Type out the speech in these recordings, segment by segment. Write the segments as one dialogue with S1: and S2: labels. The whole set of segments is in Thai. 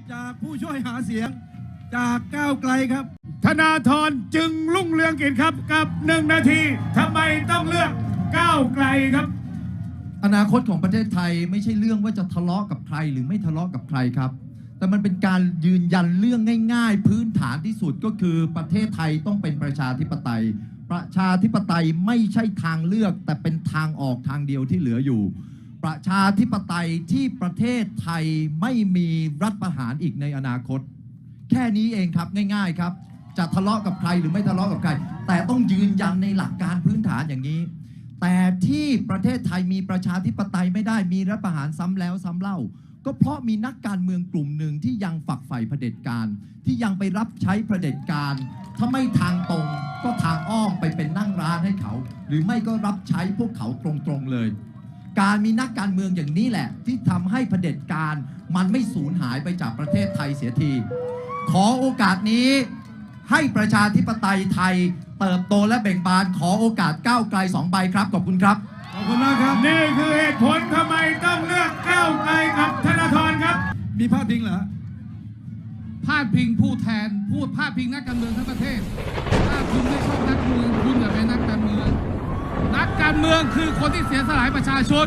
S1: จากผู้ช่วยหาเสียงจากก้าวไกลครับ
S2: ธนาธรจึงรุ่งเรืองกิจครับกับ1 นาทีทำไมต้องเลือกก้าวไกลครับ
S3: อนาคตของประเทศไทยไม่ใช่เรื่องว่าจะทะเลาะกับใครหรือไม่ทะเลาะกับใครครับแต่มันเป็นการยืนยันเรื่องง่ายๆพื้นฐานที่สุดก็คือประเทศไทยต้องเป็นประชาธิปไตยประชาธิปไตยไม่ใช่ทางเลือกแต่เป็นทางออกทางเดียวที่เหลืออยู่ประชาธิปไตยที่ประเทศไทยไม่มีรัฐประหารอีกในอนาคตแค่นี้เองครับง่ายๆครับจะทะเลาะกับใครหรือไม่ทะเลาะกับใครแต่ต้องยืนยันในหลักการพื้นฐานอย่างนี้แต่ที่ประเทศไทยมีประชาธิปไตยไม่ได้มีรัฐประหารซ้ำแล้วซ้ำเล่าก็เพราะมีนักการเมืองกลุ่มหนึ่งที่ยังฝักใฝ่เผด็จการที่ยังไปรับใช้เผด็จการถ้าไม่ทางตรงก็ทางอ้อมไปเป็นนั่งร้านให้เขาหรือไม่ก็รับใช้พวกเขาตรงๆเลยการมีนักการเมืองอย่างนี้แหละที่ทำให้เผด็จการมันไม่สูญหายไปจากประเทศไทยเสียทีขอโอกาสนี้ให้ประชาธิปไตยไทยเติบโตและเบ่งบานขอโอกาสก้าวไกล2 ใบครับขอบคุณครับ
S1: ขอบคุณมากครับ
S2: นี่คือเหตุผลทำไมต้องเลือกก้าวไกลกับธนาธรครับ
S1: มีพาดพิงเหรอ
S4: พาดพิงผู้แทนพูดพาดพิงนักการเมืองทั้งประเทศถ้าคุณไม่ชอบนักเมืองคุณอย่าเป็นนักการเมืองนักการเมืองคือคนที่เสียสละประชาชน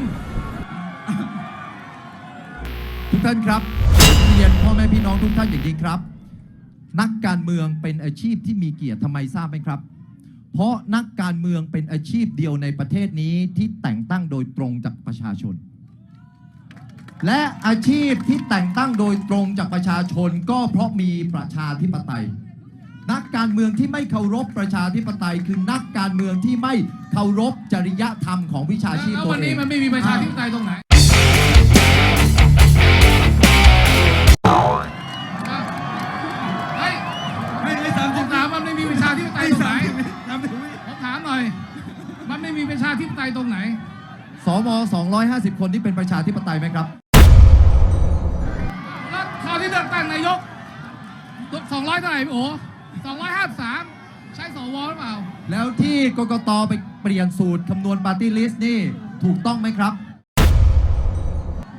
S3: ทุกท่านครับเรียนพ่อแม่พี่น้องทุกท่านอย่างนี้ครับนักการเมืองเป็นอาชีพที่มีเกียรติทำไมทราบไหมครับเพราะนักการเมืองเป็นอาชีพเดียวในประเทศนี้ที่แต่งตั้งโดยตรงจากประชาชนและอาชีพที่แต่งตั้งโดยตรงจากประชาชนก็เพราะมีประชาธิปไตยนักการเมืองที่ไม่เคารพประชาธิปไตยคือนักการเมืองที่ไม่เคารพจริยธรรมของวิชาชีพตัวเอง
S4: แล้ววันนี้มันไม่มีประชาธิปไตยตรงไหนผมถามมันไม่มีประชาธิปไตยตรงไหนผมถามหน่อยมันไม่มีประชาธิปไตยตรงไหน
S3: สว250 คนที่เป็นประชาธิปไตยไหมครับ
S4: แล้วคราวที่เลือกตั้งนายก200เท่าไหร่โอ้253ใช่สวหรือเปล่า
S3: แล้วที่กกตไปเปลี่ยนสูตรคำนวณปาร์ตี้ลิสต์นี่ถูกต้องไหมครับ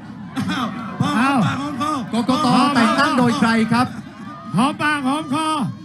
S1: อ้าวพอปากหอมคอก
S3: กตแต่งตั้งโดยใครครับ
S2: หอมปากหอมคอ